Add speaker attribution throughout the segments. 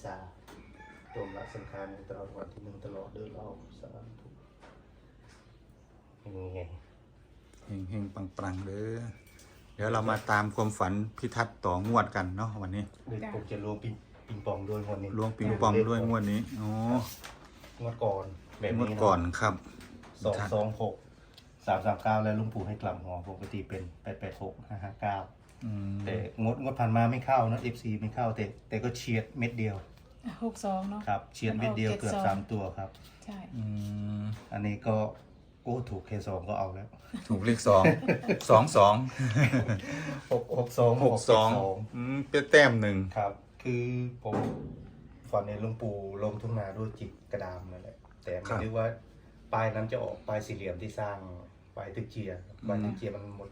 Speaker 1: สาโยมละสังขารตลอดวันที่หนึ่งตลอดเดินเราสาธุยังไง
Speaker 2: เฮงๆปังๆเด้อเดี๋ยวเรามาตามความฝันพิทัศน์ต่องวดกันเนาะวันนี้
Speaker 1: เด็กผมจะรวมปิงปองด้วยวันนี้
Speaker 2: ล้วงปิงปองด้วยงวดนี้อ๋อง
Speaker 1: วดก่อนแบบ
Speaker 2: งวด
Speaker 1: นี้
Speaker 2: ก่อนครับ
Speaker 1: 226 339แล้วลุงปู่ให้กลับหัวปกติเป็น886 559
Speaker 2: อืม
Speaker 1: แต่งดผ่านมาไม่เข้านะ FC ไม่เข้าแต่ก็เฉียดเม็ดเดียว
Speaker 3: 62เนาะ
Speaker 1: ครับเฉียดเม็ดเดียวเกือบ3ตัวครับ
Speaker 3: ใช่
Speaker 2: อืม
Speaker 1: อันนี้ก็โอ้ถูกเคสองก็เอาแล้ว
Speaker 2: ถูกเลข2
Speaker 1: 62
Speaker 2: 62เป็นแต้มหนึ่ง
Speaker 1: ครับ คือผมฝันในหลวงปู่ลงทุ่งนาด้วยจิตกระดามนั่นแหละแต่ไม่รู้ว่าปลายนั้นจะออกปลายสี่เหลี่ยมที่สร้างปลายตึกเจียปลายตึกเจียมันหมด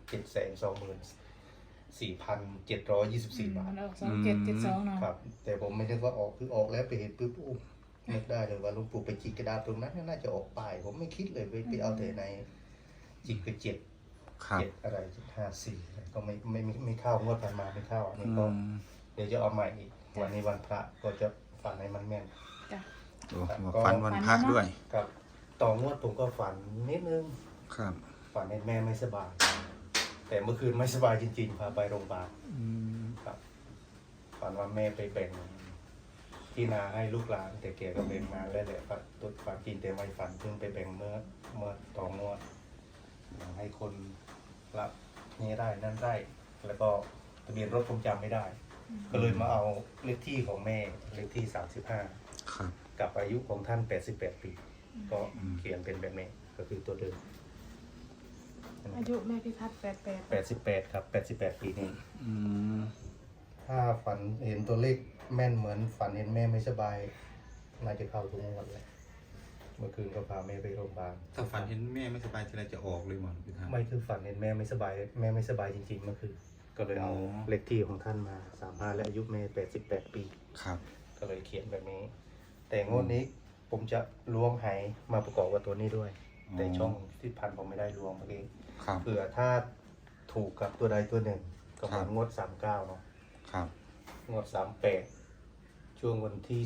Speaker 1: 724,724 บาท
Speaker 3: มันออก2772เนาะ
Speaker 1: ครับ แต่ผมไม่นึกว่าออกคือออกแล้วไปเห็นปุ๊บโอ้นึกได้เลยว่าหลวงปู่ไปจิกกระดาษตรงนั้นน่าจะออกปลายผมไม่คิดเลยไปเอาแต่ในจิกกระเจ็ด
Speaker 2: ครับ
Speaker 1: เจ็ดอะไร754ก็ไม่เข้างวดผ่านมาไม่เข้าอันนี้
Speaker 2: อื
Speaker 1: ก็
Speaker 2: ม
Speaker 1: เดี๋ยวจะเอาใหม่อีกวันนี้วันพระก็จะฝันในมันแม่น
Speaker 3: จ้ะ
Speaker 2: โอ้ฝันวันพระด้วย
Speaker 1: ครับต่องวดผมก็ฝันนิดนึง
Speaker 2: ครับ
Speaker 1: ฝันในแม่ไม่สบาย แต่เมื่อคืนไม่สบายจริงๆพาไปโรงพยาบาล
Speaker 2: อืม
Speaker 1: ครับฝันว่าแม่ไปแบ่งที่นาให้ลูกหลานแต่แกก็แบ่งมาแล้วแหละฝันตัวฝันจริงแต่ไม่ฝันเพิ่งไปแบ่งเมื่อต่องวดให้คนรับนี่ได้นั่นได้ แล้วก็ทะเบียนรถผมจำไม่ได้ ก็เลยมาเอาเลขที่ของแม่เลขที่35
Speaker 2: ครับ
Speaker 1: กับอายุของท่าน88 ปีก็เขียนเป็นแบบนี้ก็คือตัวเดิม
Speaker 3: อายุแม่พิทัศน์88
Speaker 1: 88ครับ88 ปีนี่
Speaker 2: อืม
Speaker 1: ถ้าฝันเห็นตัวเลขแม่นเหมือนฝันเห็นแม่ไม่สบายน่าจะเข้าทุกงวดเลยเมื่อคืนก็พาแม่ไปโรงพยาบาล
Speaker 2: ถ้าฝันเห็นแม่ไม่สบายทีไรจะออกเลยหมอนพิทัศน์
Speaker 1: ไม่คือฝันเห็นแม่ไม่สบายแม่ไม่สบายจริงๆเมื่อคืนก็เลยเอา
Speaker 2: อ๋อ
Speaker 1: เลขที่ของท่านมา35และอายุแม่88 ปี
Speaker 2: ครับ
Speaker 1: ก็เลยเขียนแบบนี้ แต่งวดนี้ผมจะล้วงไหมาประกอบกับตัวนี้ด้วย แต่ช่องที่พันผมไม่ได้ล้วงเมื่อกี้
Speaker 2: ครับ
Speaker 1: เผื่อถ้าถูกกับตัวใดตัวหนึ่งก็เหมือนงวด39เนาะ
Speaker 2: ครับ
Speaker 1: งวด38ช่วงวันที่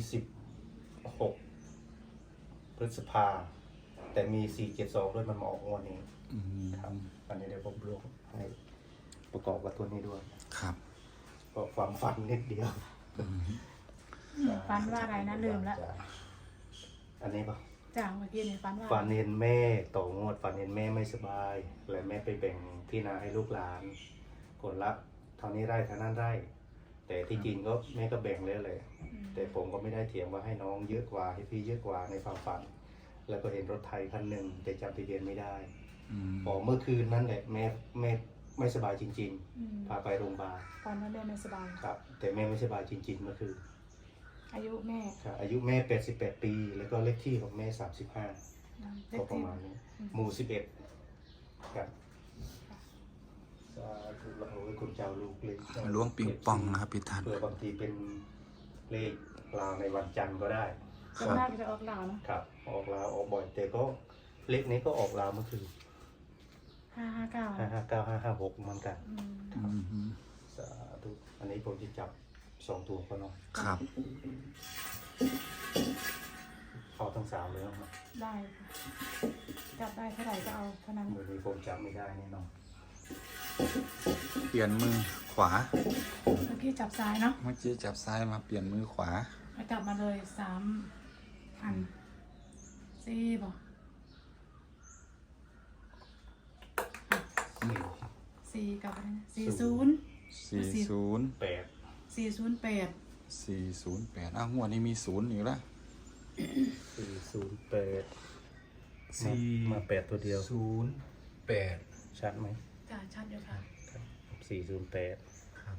Speaker 1: 16พฤษภาแต่มี472ด้วยมันมาออกงวดนี้
Speaker 2: อืม
Speaker 1: ครับอันนี้เดี๋ยวผมล้วงให้ประกอบกับตัวนี้ด้วย
Speaker 2: ครับ
Speaker 1: ก็ความฝันนิดเดียว
Speaker 3: ฝันว่าอะไรนะลืมแล้ว
Speaker 1: อันนี้ปะ
Speaker 3: จ้ะเมื่อกี้เนี่ยฝันว่า
Speaker 1: ฝันเห็นแม่ต่องวดฝันเห็นแม่ไม่สบายและแม่ไปแบ่งที่นาให้ลูกหลานคนละเท่านี้ไร่เท่านั้นไร่ แต่ที่จริงก็แม่ก็แบ่งแล้วเลยแต่ผมก็ไม่ได้เถียงว่าให้น้องเยอะกว่าให้พี่เยอะกว่าในความฝัน แล้วก็เห็นรถไถคันหนึ่งแต่จำทะเบียนไม่ได้
Speaker 2: อืม
Speaker 1: บอกเมื่อคืนนั่นแหละแม่ไม่สบายจริง
Speaker 3: อืม
Speaker 1: ๆพาไปโรงพยาบาล
Speaker 3: ฝันว่าแม่ไม่สบาย
Speaker 1: ครับ แต่แม่ไม่สบายจริง ๆ เมื่อคืน
Speaker 3: อายุแม่
Speaker 1: ครับอายุแม่88 ปี แล้วก็เลขที่ของแม่35
Speaker 3: เล
Speaker 1: ก็
Speaker 3: ข
Speaker 1: ประ
Speaker 3: ที่
Speaker 1: มาณนี้หมู่11ครับสาธุเราไว้คุณเจ้าลูกเล็ก
Speaker 2: ล้วงปิงปองนะครับพิทัศน์
Speaker 1: เพื่อบางทีเป็นเลขลาวในวันจันทร์ก็ได้
Speaker 3: ส่วนมากจะออกเหล่าเนาะ
Speaker 1: ครับ ออกลาวออกบ่อยแต่ก็เลขนี้ก็ออกลาวเมื่อคืน
Speaker 3: 559
Speaker 1: 559 556เหมือนกัน
Speaker 3: อืม
Speaker 2: อืม
Speaker 1: สาธุอันนี้ผมจะจับ2 ตัวก็เนาะ
Speaker 2: ครับ
Speaker 1: เข้าทั้ง3เลยเนาะ
Speaker 3: ได้ค่ะจับได้เท่าไหร่ก็เอาเท่านั้น
Speaker 1: มือนี้ผมจับไม่ได้แน่นอน
Speaker 2: เปลี่ยนมือขวา
Speaker 3: เมื่อกี้จับซ้ายเนาะ
Speaker 2: เมื่อกี้จับซ้ายมาเปลี่ยนมือขวา
Speaker 3: ไปจับมาเลย3 อัน4บ่4กับอะไรนะ40
Speaker 2: 40
Speaker 1: 8
Speaker 3: 408
Speaker 2: 408อ้าวงวดนี้มี0อีกแล้ว
Speaker 1: 408มา8ตัวเดียว
Speaker 2: 08
Speaker 1: ชัดไหม
Speaker 3: จ้าชัดอยู่ค่ะ
Speaker 1: 408
Speaker 2: ครับ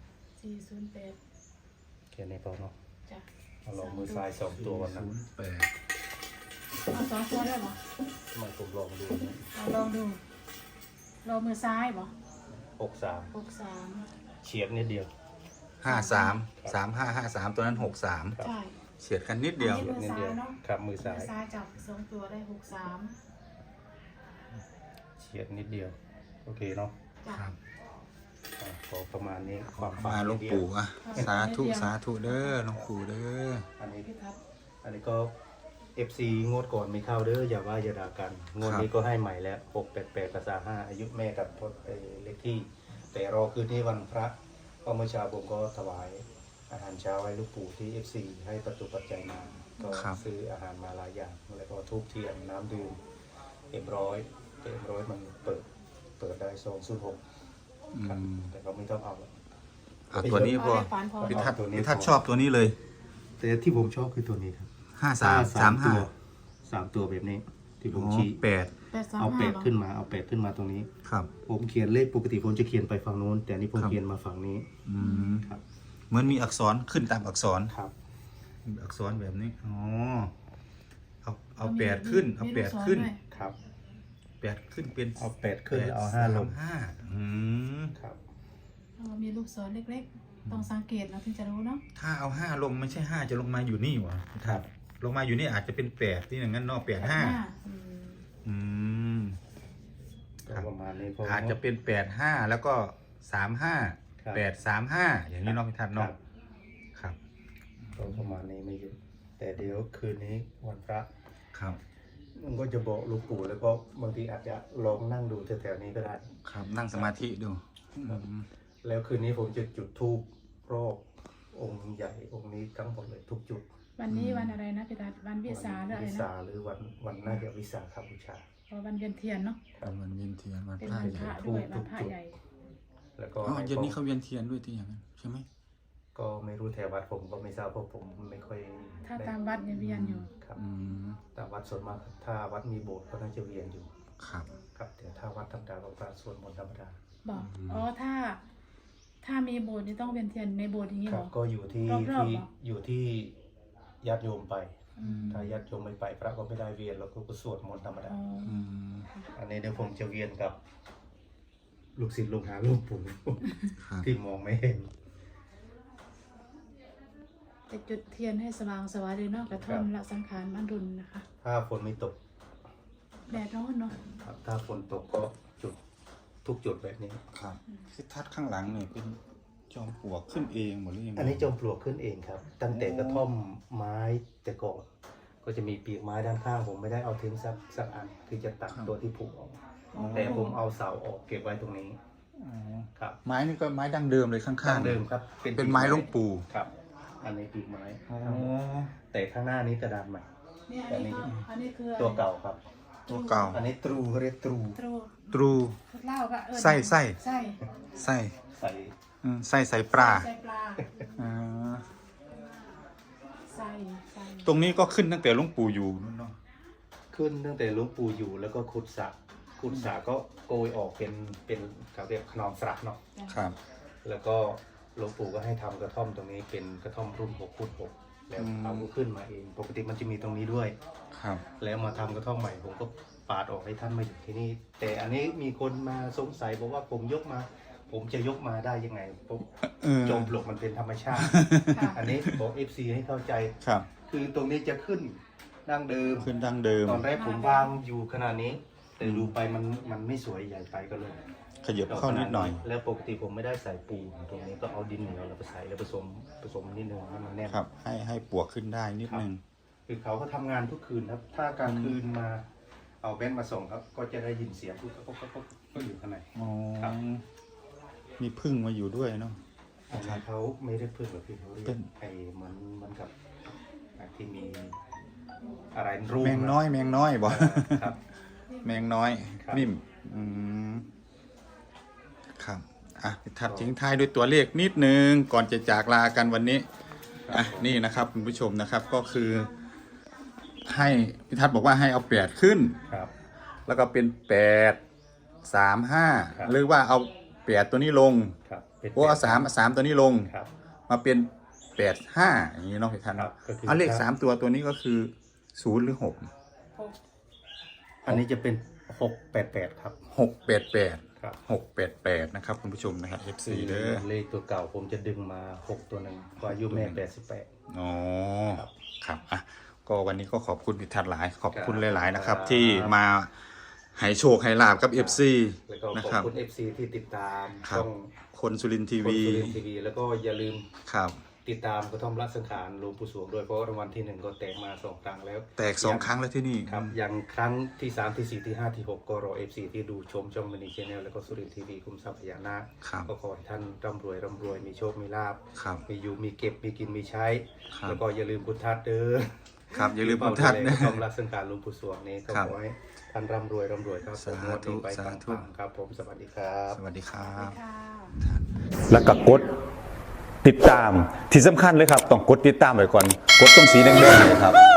Speaker 3: 408
Speaker 1: แค่นี้พอเนาะ
Speaker 3: จ้ะ
Speaker 1: เอาลองมือซ้าย2 ตัวก่อนนะ
Speaker 2: 08
Speaker 3: เอา2 ตัวได้บ่
Speaker 1: มันผมลองดูนะ
Speaker 3: เอาลองดูลองมือซ้ายบ่
Speaker 1: 63
Speaker 3: 63
Speaker 1: เฉียดนิดเดียว
Speaker 2: 53 3553ตัวนั้น63
Speaker 3: ใช่
Speaker 2: เฉียดกันนิดเดียว
Speaker 3: อันนี้
Speaker 1: นิดเดียว
Speaker 3: มือซ้ายเนอะ
Speaker 1: ครับมือซ้าย
Speaker 3: มือซ้ายจับ2 ตัวได้63
Speaker 1: เฉียดนิดเดียว โอเคเนาะ
Speaker 3: จ้ะ
Speaker 2: ครับ
Speaker 1: ขอประมาณนี้ความฝัน
Speaker 2: มาหลวง
Speaker 1: นิดเดียว
Speaker 2: ปู่อ่ะสาธุสาธุเด้อหลวงปู่เด้อ
Speaker 1: อันนี้
Speaker 3: พี่ทัศน์
Speaker 1: อันนี้ก็ FC งวดก่อนไม่เข้าเด้ออย่าว่าอย่าด่ากันงวดนี้ก็ให้ใหม่แล้ว688กับ35อายุแม่กับเลขที่ แต่รอคืนนี้วันพระก็เมื่อเช้าผมก็ถวายอาหารเช้าให้ลูกปู่ที่ FC ให้ประตูปัจจัยมาก็ซื้ออาหารมาหลายอย่างแล้วก็ทูบเทียนน้ำดื่มเอ็มร้อยมันเปิดได้206ครับแต่ก็ไม่ต้องเอาแล้ว
Speaker 2: อ่ะตัวนี้พอ
Speaker 3: ฝันพอ
Speaker 2: พิทัศน์ชอบตัวนี้เลย
Speaker 1: แต่ที่ผมชอบคือตัวนี้ครับ
Speaker 2: 5335
Speaker 1: 3 ตัวแบบนี้ที่ผ
Speaker 2: อ๋
Speaker 1: ม
Speaker 2: อ
Speaker 1: ชี้
Speaker 2: 8
Speaker 1: เอา8ขึ้นมาตรงนี้
Speaker 2: ครับ
Speaker 1: ผมเขียนเลขปกติผมจะเขียนไปฝั่งโน้น แต่อันนี้ผม
Speaker 2: ครับ
Speaker 1: เขียนมาฝั่งนี้
Speaker 2: อืม
Speaker 1: ครับ
Speaker 2: เหมือนมีอักษรขึ้นตามอักษร
Speaker 1: ครับ
Speaker 2: มีอักษรแบบนี้อ๋อเอา8ขึ้นเอา8ขึ้น
Speaker 1: ครับ
Speaker 2: 8ขึ้นเป็น
Speaker 1: เอา8ขึ้นเอา5ลง
Speaker 2: 5อืม
Speaker 1: ครับ
Speaker 3: มีลูกศรเล็กๆ ต้องสังเกตเราถึงจะรู้เนาะ
Speaker 2: ถ้าเอา5ลงไม่ใช่5จะลงมาอยู่นี่หวะ
Speaker 1: ครับ
Speaker 2: ลงมาอยู่นี่อาจจะเป็น8ที่อย่างนั้นเนอก85
Speaker 3: อืม
Speaker 2: อืม
Speaker 1: ก็ประมาณนี้
Speaker 2: อาจจะเป็น85แล้วก็35
Speaker 1: ครับ
Speaker 2: 835อย่างนี้เนาะพี่ทัศน์
Speaker 1: ครั
Speaker 2: เนาะ
Speaker 1: บ
Speaker 2: ครับ
Speaker 1: ก็ประมาณนี้ไม่เยอะแต่เดี๋ยวคืนนี้วันพระ
Speaker 2: ครับ
Speaker 1: มันก็จะบอกหลูกปู่แล้วก็บางทีอาจจะลองนั่งดูแถวๆนี้ก็ได้
Speaker 2: ครับนั่งสมาธิดู
Speaker 1: ครับ
Speaker 2: อืม
Speaker 1: แล้วคืนนี้ผมจะจุดธูปรอบองค์ใหญ่องค์นี้ทั้งหมดเลยทุกจุด
Speaker 3: วันนี้วันอะไรนะพี่ทัศน์วันวิสาหรืออะไร
Speaker 1: วิ
Speaker 3: นะ
Speaker 1: สาหรือวันน่าจะวิสาขบูชา
Speaker 3: เพราะวันเวียนเทียนเนาะ
Speaker 1: ครับ
Speaker 2: วันเวียนเทียนวัน
Speaker 3: เป็น
Speaker 2: พระ
Speaker 3: วัน
Speaker 2: ให
Speaker 3: พ
Speaker 2: ญ่
Speaker 3: ระด้วยวันพระใหญ่
Speaker 1: แล้วก็
Speaker 2: อ๋อเย็นนี้เขาเวียนเทียนด้วยที่อย่างนั้นใช่ไหม
Speaker 1: ก็ไม่รู้แถววัดผมก็ไม่ทราบเพราะผมไม่ค่อย
Speaker 3: ถ้า
Speaker 1: ได้
Speaker 3: ตามวัดเนี่ยเวียนอยู่
Speaker 1: ครับ
Speaker 2: อืม
Speaker 1: แต่วัดส่วนมากถ้าวัดมีโบสถ์ก็น่าจะเวียนอยู่
Speaker 2: ครับ
Speaker 1: ครับแต่ถ้าวัดธรรมดาก็พระสวดมนต์ธรรมดา
Speaker 3: บอกอ๋อถ้ามีโบสถ์นี่ต้องเวียนเทียนในโบสถ์อย่างนี้
Speaker 1: ค
Speaker 3: เห
Speaker 1: รั
Speaker 3: ร
Speaker 1: บ
Speaker 3: อ
Speaker 1: ก็อยู่ที่
Speaker 3: รอบๆ
Speaker 1: ที่
Speaker 3: เหรอ
Speaker 1: อยู่ที่ญาติโยมไป
Speaker 3: อืม
Speaker 1: ถ้าญาติโยมไม่ไปพระก็ไม่ได้เวียนเราก็สวดมนต์ธรรมดา
Speaker 3: อ๋อ
Speaker 2: อืม
Speaker 1: อันนี้เดี๋ยวผมจะเวียนกับ ลูกศิษย์ลูกหาลูกปู่
Speaker 2: ครับ
Speaker 1: ที่มองไม่เห็น
Speaker 3: จะจุดเทียนให้สว่างสวายเลยเนาะกระท่อมละสังขารมันรุนนะคะ
Speaker 1: ถ้าฝนไม่ตก
Speaker 3: แดดร้อนเนาะ
Speaker 1: ครับถ้าฝนตกก็จุดทุกจุดแบบนี้
Speaker 2: ครับที่ทัดข้างหลังเนี่ยเป็นจอมปลวกขึ้นเองหมดหรือยังไง
Speaker 1: อันนี้จอมปลวกขึ้นเองครับ ตั้งแต่กระท่อมไม้แต่ก่อนก็จะมีปีกไม้ด้านข้างผมไม่ได้เอาทิ้งสักอัน คือจะตัดตัวที่ผุออก แต่ผมเอาเสาออกเก็บไว้ตรงนี้
Speaker 2: อ๋อ
Speaker 1: ครับ
Speaker 2: ไม้นี่ก็ไม้ดั้งเดิมเลยข้างๆ
Speaker 1: เดิมครับ
Speaker 2: เป็นไม้หลวงปู่
Speaker 1: ครับ อันนี้ปีกไม้
Speaker 2: อ๋อ
Speaker 1: แต่ข้างหน้านี้กระดานใหม่
Speaker 3: เนี่ยอันนี้คืออะไร
Speaker 1: ตัวเก่าครับ
Speaker 2: ตัวเก่า
Speaker 1: อันนี้ตรูเขาเรียกตรู
Speaker 3: ตรู
Speaker 2: ตรู
Speaker 3: เหล้าก็
Speaker 2: ไส้
Speaker 3: ไส้
Speaker 2: ใส่
Speaker 1: ใส่
Speaker 2: ไส้ใส่ปลา
Speaker 3: ใส่ปลา
Speaker 2: อ่า
Speaker 3: ใส่ใส่
Speaker 2: ตรงนี้ก็ขึ้นตั้งแต่หลวงปู่อยู่นู่นเนาะ
Speaker 1: ขึ้นตั้งแต่หลวงปู่อยู่แล้วก็ขุดสระก็โกยออกเป็นเขาเรียกขนอมสระเนาะ
Speaker 2: ครับ
Speaker 1: แล้วก็หลวงปู่ก็ให้ทำกระท่อมตรงนี้เป็นกระท่อมรุ่น6x6แล้วเขาก็ขึ้นมาเองปกติมันจะมีตรงนี้ด้วย
Speaker 2: ครับ
Speaker 1: แล้วมาทำกระท่อมใหม่ผมก็ปาดออกให้ท่านมาอยู่ที่นี่ แต่อันนี้มีคนมาสงสัยบอกว่าผมยกมา ผมจะยกมาได้ยังไงผม
Speaker 2: เออ
Speaker 1: จมปลวกมันเป็นธรรมชาติ อันนี้บอก FC ให้เข้าใจ
Speaker 2: ครับ
Speaker 1: คือตรงนี้จะขึ้นดั้งเดิม
Speaker 2: ขึ้นดั้งเดิม
Speaker 1: ตอนแรกผมวางอยู่ขนาดนี้ แต่ดูไปมันไม่สวยใหญ่ไปก็เลย
Speaker 2: ขยับเข้านิดหน่อย
Speaker 1: แล้วปกติผมไม่ได้ใส่ปูนตรงนี้ก็เอาดินเหนียวแล้วไปใส่แล้วผสมนิดนึงให้มันแน่น
Speaker 2: ครับ ให้ปลวกขึ้นได้นิดนึง
Speaker 1: คือเขาก็ทำงานทุกคืนครับ ถ้ากลางคืนมาเอาเบนซ์มาส่งครับ ก็จะได้ยินเสียงก็อยู่ข้างใน
Speaker 2: อ๋อ
Speaker 1: ครับ
Speaker 2: มีพึ่งมาอยู่ด้วยเนาะ
Speaker 1: อันนี้เขาไม่ได้พึ่งหรอกพี่เขาเรีย
Speaker 2: เป็
Speaker 1: ก
Speaker 2: น
Speaker 1: ไอ้เหมือนกับที่มีอะไรรูป
Speaker 2: แมงน้อยบอก
Speaker 1: ครับ
Speaker 2: แมงน้อย
Speaker 1: ครับ
Speaker 2: นิ่มอืมครับอ่ะทัดทิ้งท้ายด้วยตัวเลขนิดนึงก่อนจะจากลากันวันนี้อ่ะนี่นะครับคุณผู้ชมนะครับก็คือให้พิทัศน์บอกว่าให้เอา8ขึ้น
Speaker 1: ครับ
Speaker 2: แล้วก็เป็น835
Speaker 1: ครับ
Speaker 2: หรือว่าเอา8ตัวนี้ลง
Speaker 1: ครับเป็น
Speaker 2: โอ้เอา3ตัวนี้ลง
Speaker 1: ครับ
Speaker 2: มาเป็น85อย่างนี้เนาะพี่ทัศน์
Speaker 1: ครับ
Speaker 2: เนาะ
Speaker 1: ก็คือ
Speaker 2: เอาเลข3ตัวนี้ก็คือ0หรือ6
Speaker 1: อันนี้จะเป็น688ครับ
Speaker 2: 688
Speaker 1: ครับ
Speaker 2: 688นะครับคุณผู้ชมนะครับ FC เด้อ
Speaker 1: เลขตัวเก่าผมจะดึงมา6ตัวหนึ่งก็อายุแม่88
Speaker 2: อ๋อ
Speaker 1: ครับ
Speaker 2: ครับอ่ะก็วันนี้ก็ขอบคุณพิทัศน์หลาย ขอบคุณ
Speaker 1: ครับ
Speaker 2: หลาย ๆ นะครับ
Speaker 1: ครับ
Speaker 2: ที่มาให้โชคให้ลาบกับ FC
Speaker 1: แล้วก็
Speaker 2: นะ
Speaker 1: ขอบ
Speaker 2: ครับ
Speaker 1: คุณ FC ที่ติดตาม
Speaker 2: ครับ
Speaker 1: ช่อง
Speaker 2: คนสุรินทร์ที
Speaker 1: คน
Speaker 2: วี
Speaker 1: สุรินทร์ทีวีแล้วก็อย่าลืม
Speaker 2: ครับ
Speaker 1: ติดตามกระท่อมรัสังขารหลวงปู่สวงด้วยเพราะรางวัลที่ 1ก็แตกมา2 ครั้งแล้ว
Speaker 2: แตก2 ครั้งแล้วที่นี่
Speaker 1: ครับอย่างครั้งที่ 3 ที่ 4 ที่ 5 ที่ 6 ก็รอ FC ที่ดูชมช่องมินิชแนลแล้วก็สุรินทร์ทีวีคุมทรัพย์พญานาค
Speaker 2: ครับ
Speaker 1: ก็ขอให้ท่านร่ำรวยมีโชคมีลาภ
Speaker 2: ครับ
Speaker 1: มีอยู่มีเก็บมีกินมีใช้
Speaker 2: ครับ
Speaker 1: แล้วก็อย่าลืมพุทธัดเด้อ
Speaker 2: ครับอย่าลืมพุทธัดนะ
Speaker 1: กองรักสังการหลวงปู่สวงนี้ก็
Speaker 2: ครับ
Speaker 1: ขอให้ท่านร่ำรวยครับผม
Speaker 2: สาธุ
Speaker 1: งวดนี้ไป
Speaker 2: สา
Speaker 1: ปั
Speaker 2: ธุ
Speaker 1: งๆครับผมสวัสดีครับ
Speaker 2: สวัสดีครับ
Speaker 3: ค่ะ
Speaker 4: แล้วก็กดติดตามที่สำคัญเลยครับ ต้องกดติดตามไว้ก่อน กดตรงสีแดงๆเนี่ยครับ